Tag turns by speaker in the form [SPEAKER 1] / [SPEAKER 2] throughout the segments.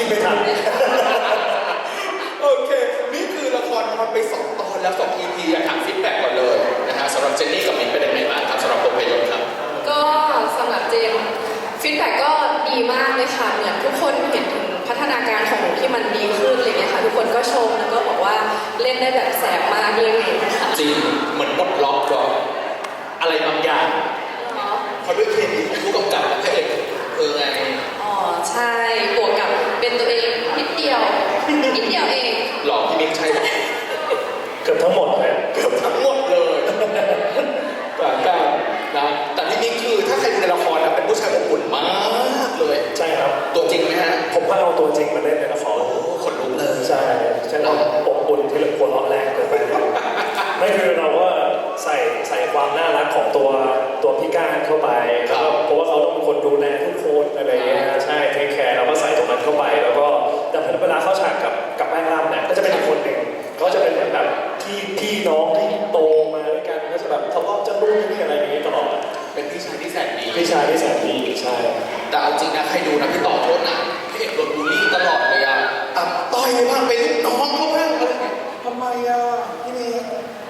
[SPEAKER 1] นไม่ทันโอเคนี่คือละครมันไป2 ตอนแล้ว2 EP อยากถามฟีดแบ็กก่อนเลยนะฮะสำหรับเจนนี่กับมิ้นเป็นยังไงบ้างครับสำหรับภาพยนตร์ครับ
[SPEAKER 2] ก็สำหรับเจนฟีดแบ็กก็ดีมากเลยค่ะเหมือนทุกคนเห็นถึงพัฒนาการของหนูที่มันดีขึ้นอะไรเงี้ยค่ะทุกคนก็ชมแล้วก็บอกว่าเล่นได้แบบแสบมากเลยค่ะ
[SPEAKER 1] จริงเหมือนปลดล็อกอะไรบางอย่างเพราะด้วยเคมีของผู้กำกับและพระเอกไง
[SPEAKER 2] อ๋อใช่บวกกับเป็นตัวเองนิดเดียวเอง
[SPEAKER 1] หลอกพี่มิ้งใช่ไหม
[SPEAKER 3] เกือบทั้งหมดเลย
[SPEAKER 1] เกือบทั้งหมดเลยการนะแต่พี่มิ้งคือถ้าใครดูในละครนะเป็นผู้ชายอบอุ่นมากเลย
[SPEAKER 3] ใช่ครับ
[SPEAKER 1] ตัวจริงไหมฮะ
[SPEAKER 3] ผมก็เอาตัวจริงมาเล่นในละคร
[SPEAKER 1] ขนลุกเลย
[SPEAKER 3] ใช่เราอบอุ่นที่เราควรล้อแรงเกินไปไม่คือเราก็ใส่ความน่ารักของตัวพี่ก้านเข้าไปเพราะว่าเขาต้องเป็นคนดูแลทุกคนอะไรเงี้ยใช่เทคแคร์เราก็ใส่ตรงนั้นเข้าไปแล้วก็แต่เวลาเข้าฉากกับแป้งร่ำเนี่ยก็จะเป็นอีกคนหนึ่งเขาจะเป็นเหมือนแบบพี่น้องที่โตมาด้วยกันก็จะแบบทะเลาะจะรู้นี่อะไรอย่างนี้ตลอด
[SPEAKER 1] เป็นพี่ชายที่แสนดี
[SPEAKER 3] พี่ชายที่แสนดีใช่
[SPEAKER 1] แต่เอาจริงนะใครดูนะพี่ต่อโทษนะพี่เอกโดนบูลลี่ตลอดเลยอะต่อยบ้างเป็นลูกน้องเขาบ้างอะไรทำไมอะพี่มิ้ง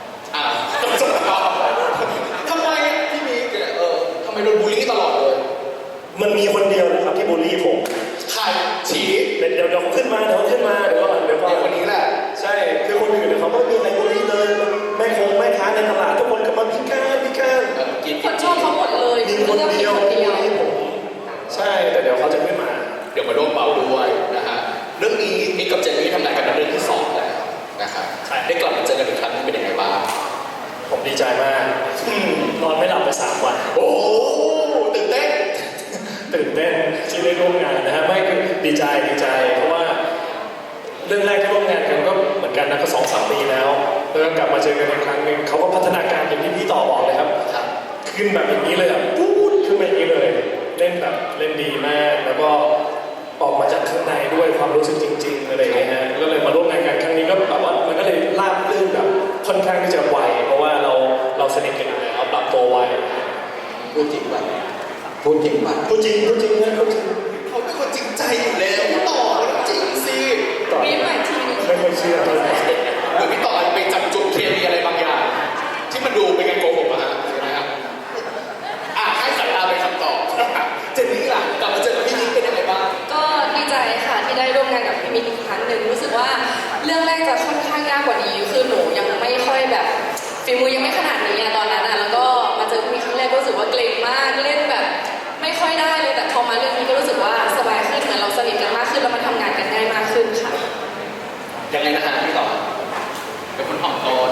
[SPEAKER 1] ทำไมพี่มิ้งทำไมโดนบูลลี่ตลอดเลย
[SPEAKER 3] มันมีคนเดียวนะครับที่บูลลี่ผม
[SPEAKER 1] ใครชี้
[SPEAKER 3] เดี๋ยวเขาขึ้นมาเดี๋ยว
[SPEAKER 1] คนนี้แหละ
[SPEAKER 3] ใช่คือคนอื่นเขาไม่มีใครบูลลี่เลยแม่ค้าในตลาดทุกคนก็มาพิการ
[SPEAKER 2] คนชอบเขาหมดเลย
[SPEAKER 3] มีคนเดียวที่ผมใช่แต่เดี๋ยวเขาจะไม่มา
[SPEAKER 1] เดี๋ยวมาร่วมเบาด้วยนะฮะเรื่องนี้นี่กับเจนนี่ทำงานกันเป็นเรื่องที่2แล้วนะครับได้กลับมาเจอกันอีกครั้งเป็นยังไงบ้าง
[SPEAKER 3] ผมดีใจมากนอนไม่หลับไป3 วัน
[SPEAKER 1] โอ้ตื่นเต้น
[SPEAKER 3] ที่ได้ร่วมงานนะฮะไม่คือดีใจเพราะว่าเรื่องแรกที่ร่วมงานกันก็เหมือนกันนะก็2-3 ปีแล้วกลับมาเจอกันอีกครั้งหนึ่งเขาก็พัฒนาการอย่างที่พี่ต่อบอกเลยครับขึ้นแบบอย่างนี้เลยอ่ะพูดขึ้นมาอย่างนี้เลยเล่นดีมากแล้วก็ออกมาจากข้างในด้วยความรู้สึกจริงๆอะไรอย่างเงี้ยฮะก็เลยมาร่วมงานกันครั้งนี้ก็แบบว่ามันก็เลยราบรื่นแบบค่อนข้างที่จะไวเพราะว่าเราสนิทกันอยู่แล้วปรับตัวไว
[SPEAKER 1] พูดจริงนะ
[SPEAKER 3] พูดจริงเขา
[SPEAKER 1] เป็นคนจริงใจอยู่แล้วต่อจริงสิ
[SPEAKER 2] มีใหม่ที
[SPEAKER 3] ไม่ค่อยเชื่อเท่าไหร่
[SPEAKER 1] หรือพี่ต่อไปจับจุดเคมีอะไรบางอย่างที่มันดูเป็นการโกหกอะฮะใช่ไหมครับให้สายตาเป็นคำตอบเจนนี่ล่ะกลับมาเจอพี่มิ้งเป็นยังไงบ้าง
[SPEAKER 2] ก็ดีใจค่ะที่ได้ร่วมงานกับพี่มิ้งอีกครั้งหนึ่งรู้สึกว่าเรื่องแรกจะค่อนข้างยากกว่านี้คือหนูยังไม่ค่อยแบบฝีมือยังไม่ขนาดนี้ตอนนั้นแล้วก็มาเจอพี่มิ้งครั้งแรกก็รู้สึกว่าเกรงมากเล่นแบบไม่ค่อยได้เลยแต่พอมาเรื่องนี้ก็รู้สึกว่าสบายขึ้นเหมือนเราสนิทกันมากขึ้นแล้วมันทำงานกันง่ายมากขึ้นค่ะ
[SPEAKER 1] ยังไงนะฮะพี่ต่อเป็นคนถ่อมตน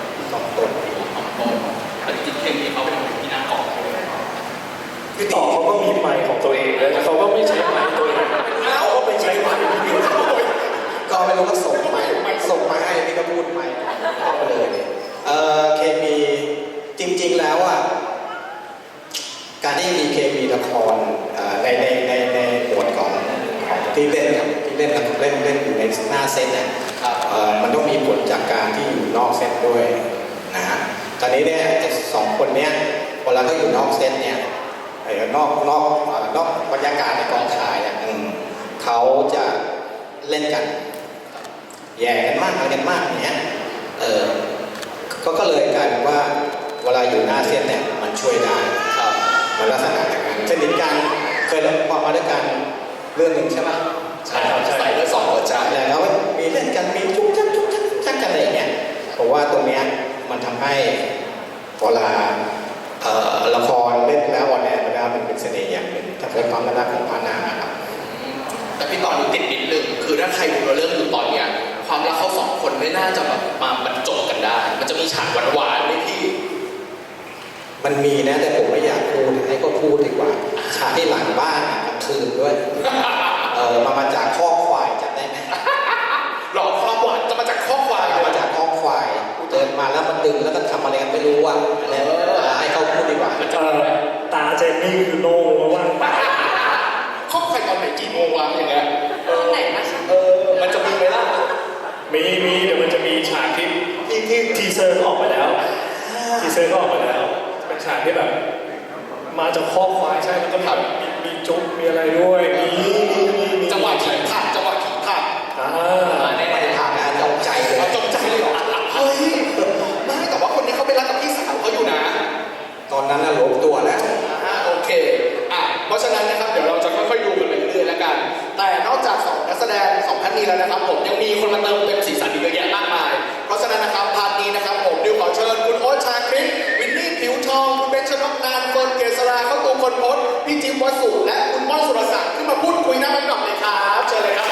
[SPEAKER 1] แต่จริงๆเพลงนี้เขาเป็นคนที่น่าขอบ
[SPEAKER 3] พี่ต่อเขาก็มีไมค์ของตัวเองเลยแต่เขาก็ไม่ใช้ไมค์ตัวเองเขาก็ไปใช้ไมค์ที่อื่น
[SPEAKER 4] ก็ไม่รู้ก็ส่งมาให้พี่ก็พูดไมค์ไปเลยเคมีจริงๆแล้วอ่ะการที่มีเคมีละครในหมวดของที่เล่นอยู่ในหน้าเซตเนี่ยมันต้องมีผลจากการที่อยู่นอกเซตด้วยนะฮะตอนนี้เนี่ย2 คนเนี้ยเวลาเขาอยู่นอกเซตเนี่ยนอกบรรยากาศในกองถ่ายเนี่ยเขาจะเล่นกันแย่กันมากอะไรกันมากอย่างเงี้ยก็เลยกลายเป็นว่าเวลาอยู่หน้าเซตเนี่ยมันช่วยได้มันลักษณะอย่างนั้นเช่นนี้การเคยพอมาด้วยกันเรื่องหนึ่งใช่ไหม
[SPEAKER 1] ใช่ใส่เรื่อง2 หัวใจ
[SPEAKER 4] แล้วมีเล่นกันมีจุ๊บจักกันอะไรอย่างเงี้ยผมว่าตรงเนี้ยมันทำให้เวลาละครเล่นแล้ววันนี้มันเป็นเสน่ห์อย่างหนึ่งถ้าเกิดความน่ารักของพานาครับ
[SPEAKER 1] แต่พี่ต่อดูติดนิดนึงคือถ้าใครดูเรื่องอยู่ตอนเนี้ยความรักเขา2 คนไม่น่าจะแบบมาบรรจบกันได้มันจะมีฉากหวานๆไหมพี่
[SPEAKER 4] มันมีนะแต่ผมไม่อยากพูดให้ก็พูดดีกว่าฉากที่หลังบ้านกลางคืนด้วยมาจากข้อควายจำได้ไหม
[SPEAKER 1] หลอกความหวานจะมาจากข้อควาย
[SPEAKER 4] มาจากข้อควายเดินมาแล้วมันดึงแล้วก็ทำอะไรกันไม่รู้ว่าอะไรให้เขาพูดดีกว่า
[SPEAKER 3] ตาเจนนี่คือโล่งว่าง
[SPEAKER 1] ข้อควายตอนไหนกี่โมงวะอย่างเงี้ย
[SPEAKER 2] ตอนไหนนะคะ
[SPEAKER 1] มันจะมีไหมล่ะ
[SPEAKER 3] มีเดี๋ยวมันจะมีฉากที่ทีเซอร์ออกมาแล้วเป็นฉากที่แบบมาจากข้อควายใช่แล้วก็มีจุ๊บมีอะไรด้วยมี
[SPEAKER 1] จังหวะที่ผ่านจังหวะดงสองท่านนี้แล้วนะครับผมยังมีคนมาเติมเต็มสีสันอีกเยอะแยะมากมายเพราะฉะนั้นนะครับพาร์ทนี้นะครับผมดิวขอเชิญคุณโอ๊ตชาคริตวินนี่ผิวทองคุณเบนชนกนานเฟิร์นเกษราเข้าตูคนพจน์พี่จิ๊บวสุและคุณม่อนสุรศักดิ์ขึ้นมาพูดคุยหน้าไมค์หน่อยเลยครับเชิญเลยครับ